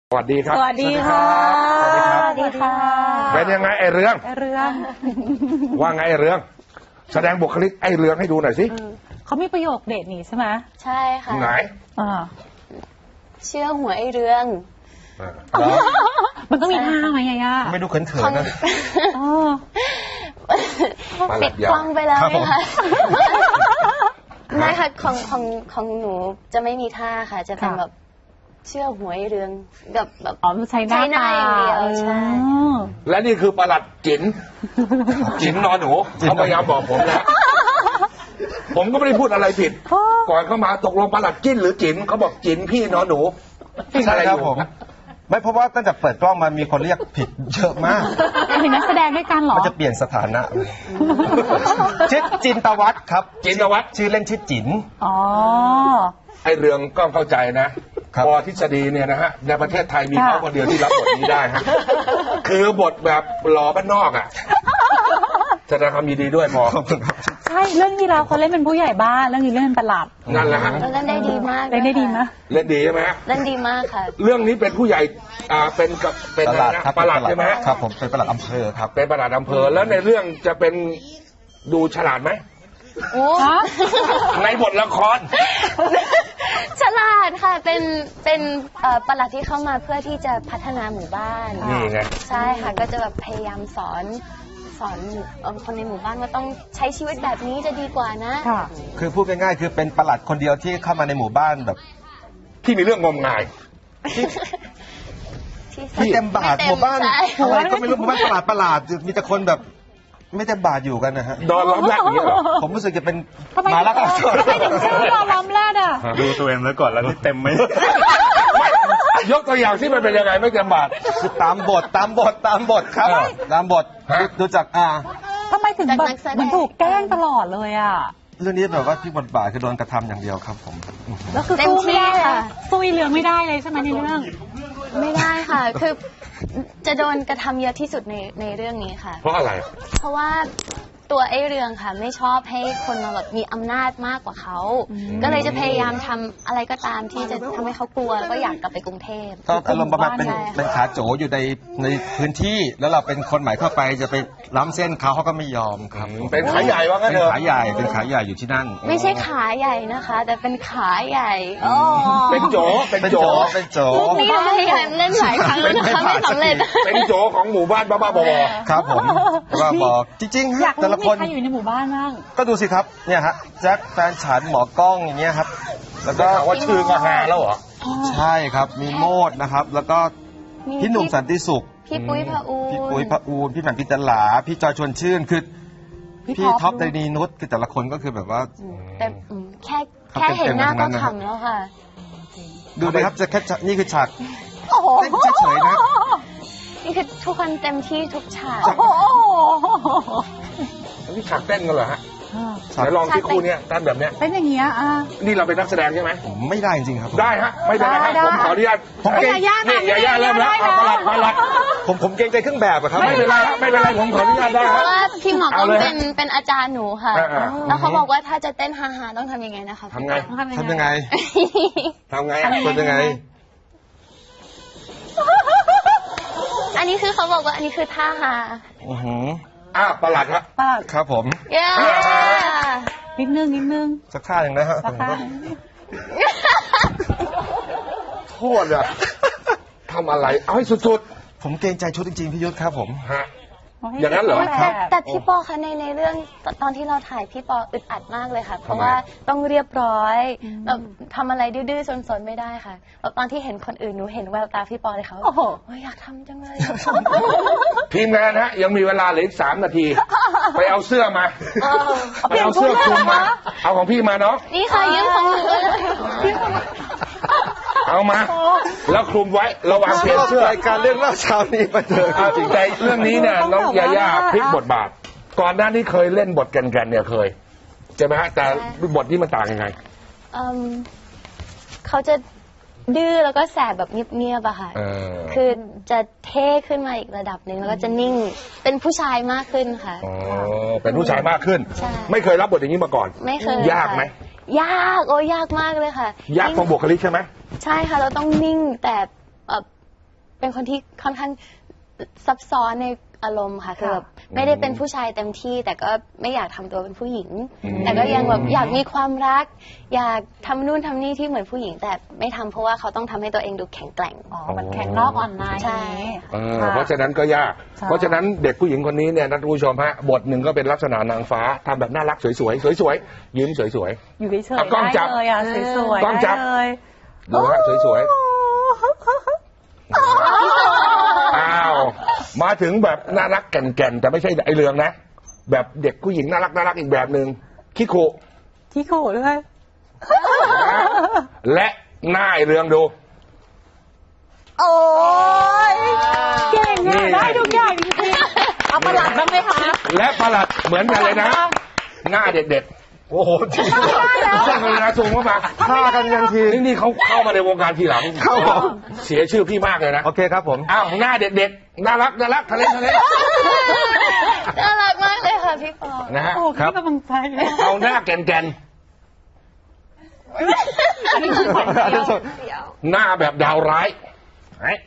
สวัสดีครับสวัสดีค่ะสวัสดีครับสวัสดีค่ะเป็นยังไงไอ้เรื่องว่าไงไอ้เรื่องแสดงบุคลิกไอ้เรื่องให้ดูหน่อยสิเขามีประโยคเด็ดนี่ใช่ไหมใช่ค่ะไหนเชื่อหัวไอ้เรื่องมันต้องมีท่าไหมยาไม่ดูเขินๆนะปิดกล้องไปแล้วค่ะไม่ค่ะของหนูจะไม่มีท่าค่ะจะเป็นแบบเชื่อหัวไอ้เรื่องกับแบบใช้หน้าอย่างเดียวใช่และนี่คือประหลัดจิ๋นนอนหนูเขาพยายามบอกผมนะผมก็ไม่ได้พูดอะไรผิดก่อนเข้ามาตกลงประหลัดจิ้นหรือจิ๋นเขาบอกจิ๋นพี่นอนหนูใช่ครับผมไม่เพราะว่าตั้งแต่เปิดกล้องมามีคนเรียกผิดเยอะมากเป็นนักแสดงด้วยกันเหรอมันจะเปลี่ยนสถานะชื่อจินตวัฒน์ครับจินตวัฒน์ชื่อเล่นชื่อจิ๋นไอเรื่องก็เข้าใจนะพอทฤษฎีเนี่ยนะฮะในประเทศไทยมีเขาคนเดียวที่รับบทนี้ได้ฮะคือบทแบบหล่อบ้านนอกอ่ะแสดงความยินดีด้วยพอใช่เรื่องที่เราเขาเล่นเป็นผู้ใหญ่บ้านเรื่องนี้เล่นเป็นประหลัดนั่นแหละฮะเล่นได้ดีมากเล่นได้ดีไหมเล่นดีใช่ไหมเล่นดีมากค่ะเรื่องนี้เป็นผู้ใหญ่เป็นประหลัดใช่ไหมครับผมเป็นประหลัดอำเภอครับเป็นประหลัดอำเภอแล้วในเรื่องจะเป็นดูฉลาดไหมในบทละครฉลาดค่ะเป็นประหลัดที่เข้ามาเพื่อที่จะพัฒนาหมู่บ้านนี่ไงใช่ค่ะก็จะแบบพยายามสอนคนในหมู่บ้านว่าต้องใช้ชีวิตแบบนี้จะดีกว่านะคือพูดง่ายๆคือเป็นประหลัดคนเดียวที่เข้ามาในหมู่บ้านแบบที่มีเรื่องงมงายไม่เต็มบาทหมู่บ้านอะไรก็ไม่รู้หมู่บ้านประหลาดมีแต่คนแบบไม่เต็มบาทอยู่กันนะฮะดอนล้อมแรกอย่างเงี้ยเหรอผมรู้สึกจะเป็นมาแล้วก็ทำไมถึงชื่อดอนล้อมแรกอ่ะดูตัวเองแล้วก่อนแล้วนี่เต็มไหมยกตัวอย่างที่มันเป็นยังไงไม่เต็มบาทคือตามบทครับตามบทดูจากทำไมถึงแบบมันถูกแกล้งตลอดเลยอ่ะเรื่องนี้แบบว่าที่บทบาทคือโดนกระทำอย่างเดียวครับผมแล้วคือสู้ไม่ได้ค่ะสู้เหลืองไม่ได้เลยใช่ไหมในเรื่องไม่ได้ค่ะคือจะโดนกระทำเยอะที่สุดในเรื่องนี้ค่ะเพราะอะไรเพราะว่าตัวไอ้เรืองค่ะไม่ชอบให้คนมาแบบมีอำนาจมากกว่าเขาก็เลยจะพยายามทำอะไรก็ตามที่จะทำให้เขากลัวแล้วก็อยากกลับไปกรุงเทพก็อารมณ์ประมาณเป็นขาโจอยู่ในพื้นที่แล้วเราเป็นคนใหม่เข้าไปจะไปล้ำเส้นเขาก็ไม่ยอมครับเป็นขาใหญ่ว่างั้นเถอะเป็นขาใหญ่อยู่ที่นั่นไม่ใช่ขาใหญ่นะคะแต่เป็นขาใหญ่เป็นโจนี่พยายามเล่นหลายครั้งแล้วนะคะไม่สำเร็จเป็นโจของหมู่บ้านบ้าๆบอครับผมว่าบอกจริงๆฮะแต่ละคนใครอยู่ในหมู่บ้านบ้างก็ดูสิครับเนี่ยฮะแจ็คแฟนฉันหมอกล้องอย่างเงี้ยครับแล้วก็ว่าชื่อก็ฮาแล้วเหรอใช่ครับมีโมดนะครับแล้วก็พี่หนุ่มสันติสุขพี่ปุ้ยพระอูนพี่แหม่มพิจลาพี่จอยชวนชื่นคือพี่ท็อปไดนีนุชคือแต่ละคนก็คือแบบว่าแต่แค่เห็นหน้าก็ขำแล้วค่ะดูเลยครับจะแค่นี่คือฉากเต้นเฉยๆนะนี่คือทุกคนเต็มที่ทุกฉากนี่ฉากเต้นกันเหรอฮะไหนลองที่คู่นี้เต้นแบบเนี้ยเป็นอย่างเงี้ยนี่เราเป็นนักแสดงใช่ไหมผมไม่ได้จริงครับได้ฮะไม่ได้ครับผมขออนุญาตผมเกรงใจนี่ย่าเริ่มแล้วมาลัดผมเกรงใจเครื่องแบบครับไม่เป็นไรผมขออนุญาตได้เพราะว่าพี่หมอกล้องเป็นอาจารย์หนูค่ะแล้วเขาบอกว่าถ้าจะเต้นฮาๆต้องทำยังไงนะคะทำไงยังไงอันนี้คือเขาบอกว่าอันนี้คือท่าฮาประหลัดครับครับผมนิดนึงสักท่าหนึ่งนะฮะโทษอะทำอะไรเอาให้สุดๆผมเกรงใจชุดจริงๆพี่ยุทธครับผมอย่างนั้นเหรอแต่พี่ปอคะในเรื่องตอนที่เราถ่ายพี่ปออึดอัดมากเลยค่ะเพราะว่าต้องเรียบร้อยแบบทำอะไรดื้อๆซนๆไม่ได้ค่ะแบบตอนที่เห็นคนอื่นหนูเห็นแววตาพี่ปอเลยเขาโอ้โหอยากทำจังเลยทีมงานฮะยังมีเวลาเหลืออีก3 นาทีไปเอาเสื้อมาไปเอาเสื้อคลุมมาเอาของพี่มาเนาะนี่ค่ะยืมของหนูเลยเอามาแล้วคลุมไว้ระวังเปลี่ยนเสื้อรายการเรื่องเล่าเช้านี้ไปเถอะจริงใจเรื่องนี้เนี่ยน้องยาย่าพลิกบทบาทก่อนหน้านี้เคยเล่นบทกันเนี่ยเคยใช่ไหมฮะแต่บทนี้มันต่างยังไงเขาจะดื้อแล้วก็แสบแบบเงียบๆอะค่ะคือจะเท่ขึ้นมาอีกระดับหนึ่งแล้วก็จะนิ่งเป็นผู้ชายมากขึ้นค่ะเป็นผู้ชายมากขึ้นไม่เคยรับบทอย่างนี้มาก่อนไม่เคยยากไหมยากมากเลยค่ะยากตรงบุคลิกใช่ไหมใช่ค่ะเราต้องนิ่งแต่เป็นคนที่ค่อนข้างซับซ้อนในอารมณ์ค่ะคือแบบไม่ได้เป็นผู้ชายเต็มที่แต่ก็ไม่อยากทำตัวเป็นผู้หญิง แต่ก็ยังแบบอยากมีความรัก อยากทำนู่นทำนี่ที่เหมือนผู้หญิง แต่ไม่ทำเพราะว่าเขาต้องทำให้ตัวเองดูแข็งแกร่งมันแข็งนอกอ่อนในใช่เพราะฉะนั้นก็ยาก เพราะฉะนั้นเด็กผู้หญิงคนนี้เนี่ยนะท่านผู้ชมฮะบทหนึ่งก็เป็นลักษณะนางฟ้าทำแบบน่ารักสวยๆสวยๆยิ้มสวยๆอยู่เฉยเอาๆกล้องจัได้บเลยอ่ะสวยๆกล้องจับได้เลยดูฮะสวยๆอ้าวมาถึงแบบน่ารักแก่นๆแต่ไม่ใช่ไอเรืองนะแบบเด็กผู้หญิงน่ารักอีกแบบหนึ่งคิโคที่โขด้วยและหน้าไอเรืองดูโอ้ยเก่งอ่ะได้ทุกอย่างจริงๆเอาประหลัดบ้างไหมคะและประหลัดเหมือนกันเลยนะ หน้าเด็กๆโอ้โหจริงใช่เลยนะซูมเข้ามาฆ่ากันยันทีนี่เขาเข้ามาในวงการทีหลังครับผมเสียชื่อพี่มากเลยนะโอเคครับผมอ้าวหน้าเด็กๆน่ารักทะเลน่ารักมากเลยค่ะพี่ปอนะฮะโอ้ให้กำลังใจเอาหน้าแก่นอันนี้คือขวัญเดียวๆหน้าแบบดาวร้ายเฮ้ย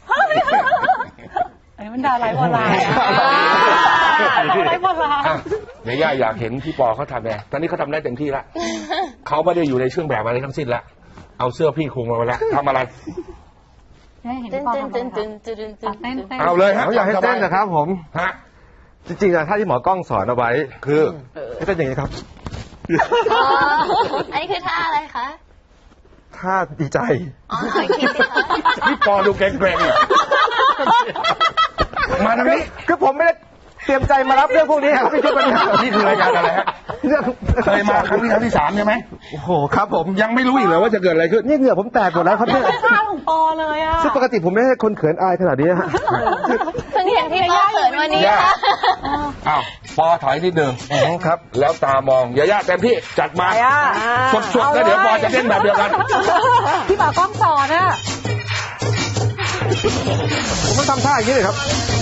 อันนี้มันดาวไร้โบราณไร้โบราณอ่ะเดี๋ยวย่าอยากเห็นพี่ปอเขาทำไงตอนนี้เขาทำได้เต็มที่แล้วเขาไม่ได้อยู่ในเครื่องแบบอะไรทั้งสิ้นแล้วเอาเสื้อพี่คลุมมาแล้วทำอะไรเห็นตึ้นปอตึ้นทำตึ้นอะไรตึ้นตึ้นตึ้นเต้นเอาเลยฮะผมอยากให้เต้นนะครับผมฮะจริงๆอะถ้าที่หมอกล้องสอนเอาไว้คือให้เต้นอย่างนี้ครับอ๋ออันนี้คือท่าอะไรคะถ้าดีใจอ๋อขออีกทีสิคะพี่ปอดูเกรงๆมาทางนี้คือผมไม่ได้เตรียมใจมารับเรื่องพวกนี้ครับพี่คิดว่าเนี่ยนี่คือรายการอะไรฮะเรื่องเคยมาครั้งนี้ครั้งที่3ใช่ไหมโอ้โหครับผมยังไม่รู้อีกเลยว่าจะเกิดอะไรขึ้นนี่เหงื่อผมแตกหมดแล้วครับเนี่ยท่าของปอเลยอ่ะซึ่งปกติผมไม่ใช่คนเขินอายขนาดนี้ฮะเพิ่งเห็นพี่ปอเขินวันนี้ย่าค่ะอ้าวปอถอยนิดนึงครับแล้วตามองย่าเต็มที่จัดมาสดๆแล้วเดี๋ยวปอจะเต้นแบบเดียวกันพี่ปอกล้องสอนอ่ะผมต้องทำท่าอย่างนี้เลยครับ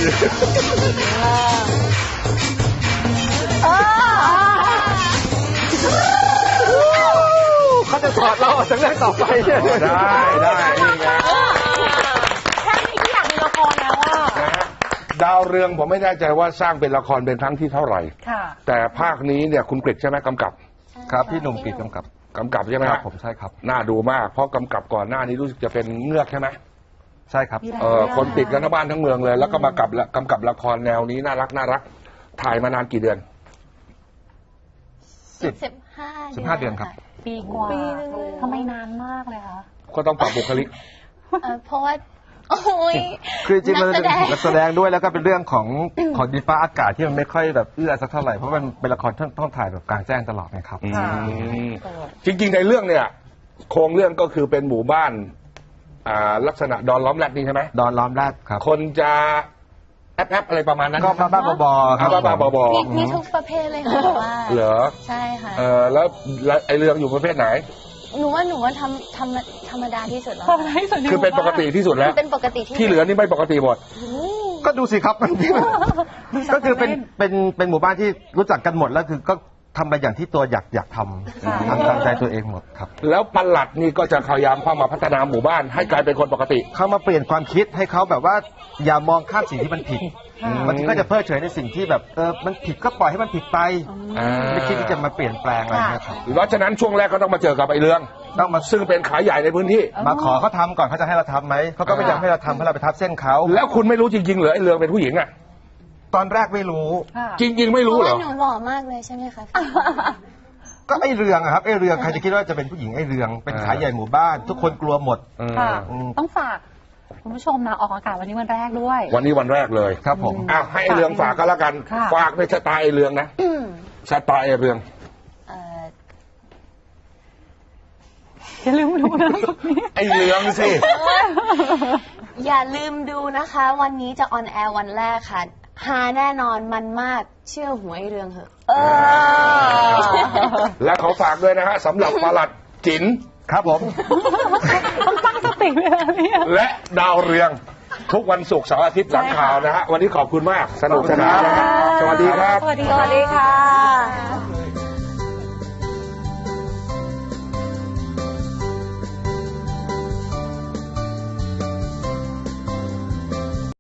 เขาจะถอดเราออกจากเรื่องต่อไปเนี่ยได้นี่ไงแค่นี้ที่อยากมีละครแล้วอ่ะนะฮะดาวเรืองผมไม่แน่ใจว่าสร้างเป็นละครเป็นครั้งที่เท่าไหร่ค่ะแต่ภาคนี้เนี่ยคุณกฤษใช่ไหมกำกับครับพี่หนุ่มปิดกำกับใช่ไหมคครัรับบ ผมใช่ครับน่าดูมากเพราะกำกับก่อนหน้านี้รู้สึกจะเป็นเงือกใช่ไหมใช่ครับคนติดกันทั้งบ้านทั้งเมืองเลย แล้วก็มากำกับละครแนวนี้น่ารักถ่ายมานานกี่เดือน 15 เดือนครับปีกว่าปีนึงทำไมนานมากเลยคะก็ต้องปรับบุคลิกเพราะว่าโอ้ยคือจริงๆมันนัเป็นกแสดงนักแสดงด้วยแล้วก็เป็นเรื่องของดินฟ้าอากาศที่มันไม่ค่อยแบบเอื้อสักเท่าไหร่เพราะมันเป็นละครต้องถ่ายแบบกลางแจ้งตลอดนะครับอืมจริงๆในเรื่องเนี่ย โครงเรื่องก็คือเป็นหมู่บ้านลักษณะดอนล้อมแรดนี่ใช่ไหมดอนล้อมแรดครับคนจะแอปอะไรประมาณนั้นก็บ้าๆบอๆครับบ้าๆบอมีทุกประเภทเลยค่ะแต่ว่าๆเหรอใช่ค่ะแล้วไอเรื่องอยู่ประเภทไหนหนูว่าธรรมดาที่สุดแล้วทำให้สุดคือเป็นปกติที่สุดแล้วเป็นปกติที่ที่เหลือนี่ไม่ปกติหมดก็ดูสิครับมันก็คือเป็นหมู่บ้านที่รู้จักกันหมดแล้วคือก็ทำไปอย่างที่ตัวอยากทำตามใจตัวเองหมดครับแล้วปลัดนี่ก็จะพยายามเข้ามาพัฒนาหมู่บ้านให้กลายเป็นคนปกติเขามาเปลี่ยนความคิดให้เขาแบบว่าอย่ามองข้ามสิ่งที่มันผิดบางทีก็จะเพิกเฉยในสิ่งที่แบบมันผิดก็ปล่อยให้มันผิดไปไม่คิดที่จะมาเปลี่ยนแปลงอะไรเงี้ยครับเพราะฉะนั้นช่วงแรกก็ต้องมาเจอกับไอเรื่องต้องมาซึ่งเป็นขายใหญ่ในพื้นที่มาขอเขาทำก่อนเขาจะให้เราทำไหมเขาก็ไม่อยากให้เราทำเพราะเราไปทับเส้นเขาแล้วคุณไม่รู้จริงๆเหรอไอเรื่องเป็นผู้หญิงอ่ะตอนแรกไม่รู้จริง ๆ ไม่เพรู้ราะเหรว่าอหนูหล่อมากเลยใช่ไหมคะก็ไอเรืองอะครับไอเรืองใครจะคิดว่าจะเป็นผู้หญิงไอเรืองเป็นขายใหญ่หมู่บ้าน ทุกคนกลัวหมดค่ะ ต้องฝากคุณผู้ชมนะออกอากาศวันนี้วันแรกด้วยวันนี้วันแรกเลยครับผมอ้าวให้ไอเรื่องฝากก็แล้วกันค่ะฝากในชะตาไอเรื่องนะชะตาไอเรื่องอย่าลืมดูนะไอเรื่องสิอย่าลืมดูนะคะ วันนี้จะออนแอร์วันแรกค่ะฮาแน่นอนมันมากเชื่อหวยเรื่องเหอะและขอฝากด้วยนะฮะสำหรับปลัดจิ๋นครับผมต้องตั้งสติเลยนะเนี่ยและดาวเรืองทุกวันศุกร์เสาร์อาทิตย์หลังข่าวนะฮะวันนี้ขอบคุณมากสนุกสนานนะฮะสวัสดีครับสวัสดีค่ะ